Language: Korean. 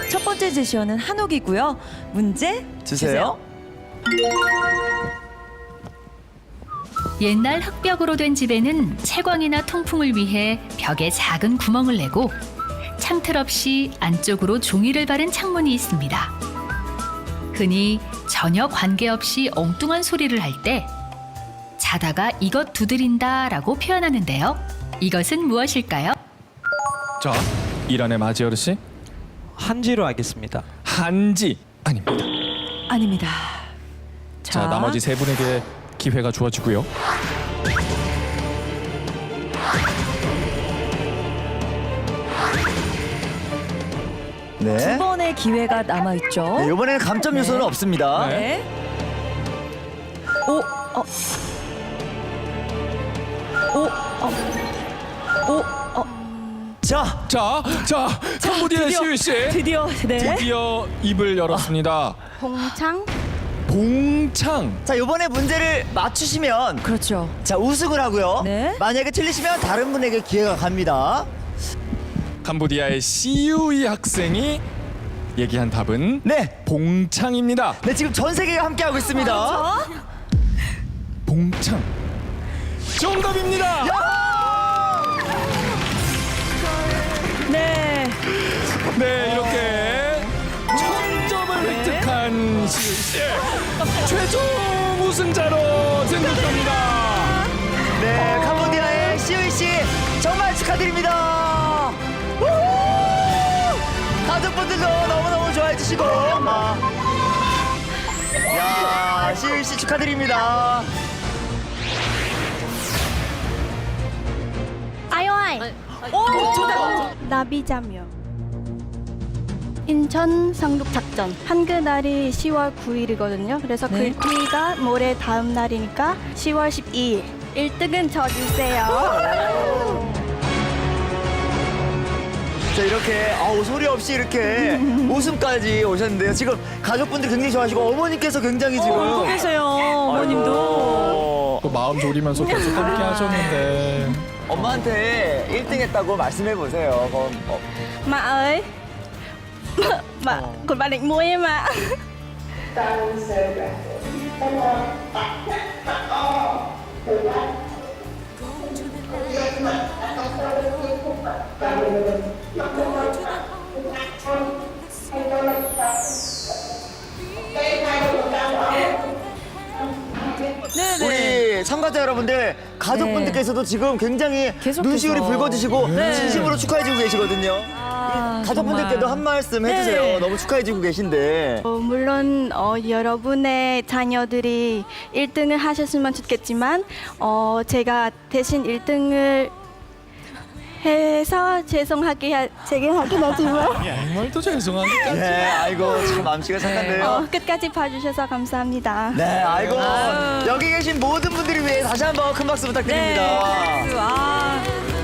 첫 번째 제시어는 한옥이고요. 문제 주세요. 옛날 흙벽으로 된 집에는 채광이나 통풍을 위해 벽에 작은 구멍을 내고 창틀 없이 안쪽으로 종이를 바른 창문이 있습니다. 흔히 전혀 관계없이 엉뚱한 소리를 할 때 자다가 이것 두드린다라고 표현하는데요. 이것은 무엇일까요? 자, 이란의 마지 어르신. 한지로 하겠습니다. 한지 아닙니다. 아닙니다. 자, 나머지 세 분에게 기회가 주어지고요. 두 네. 번의 기회가 남아 있죠. 네, 이번에는 감점 요소는 네. 없습니다. 네. 네. 오, 자, 자, 캄보디아 드디어, 시우 씨 드디어, 네. 드디어 입을 열었습니다. 봉창? 봉창. 자 이번에 문제를 맞추시면 그렇죠. 자 우승을 하고요. 네. 만약에 틀리시면 다른 분에게 기회가 갑니다. 캄보디아의 시우이 학생이 얘기한 답은 네, 봉창입니다. 네 지금 전 세계가 함께 하고 있습니다. 봉창. 정답입니다. 네. 네, 이렇게 1000점을 획득한 시우 씨 최종 우승자로 등극합니다. 네, 캄보디아의 시우이 씨 정말 축하드립니다. 우후! 가족분들도 너무너무 좋아해 주시고. 야, 시우이 씨 축하드립니다. 아이오아이! 오, 정답. 나비자묘. 인천 상륙작전. 한글날이 10월 9일이거든요. 그래서 네. 글귀가 모레 다음 날이니까 10월 12일. 1등은 저 주세요. 자 이렇게 소리 없이 이렇게 웃음까지 오셨는데요. 지금 가족분들 굉장히 좋아하시고 어머니께서 굉장히 지금 웃고 계세요, 어머님도. 아이고, 또 마음 졸이면서 계속 함께 하셨는데 엄마한테 1등 했다고 말씀해 보세요. 그럼 Má ơi. Bà, còn bà định mua em ạ. 우리 참가자 여러분들 가족분들께서도 지금 굉장히 계속해서. 눈시울이 붉어지시고 네. 진심으로 축하해주고 계시거든요. 가족분들께도 정말. 한 말씀 해주세요. 네. 너무 축하해주고 계신데. 물론 여러분의 자녀들이 1등을 하셨으면 좋겠지만 제가 대신 1등을 해서 죄송하긴 하지만 정말 또 죄송합니다. 네, 아이고 참 마음씨가 착한데요. 끝까지 봐주셔서 감사합니다. 네, 아이고 여기 계신 모든 분들을 위해 다시 한번 큰 박수 부탁드립니다. 네.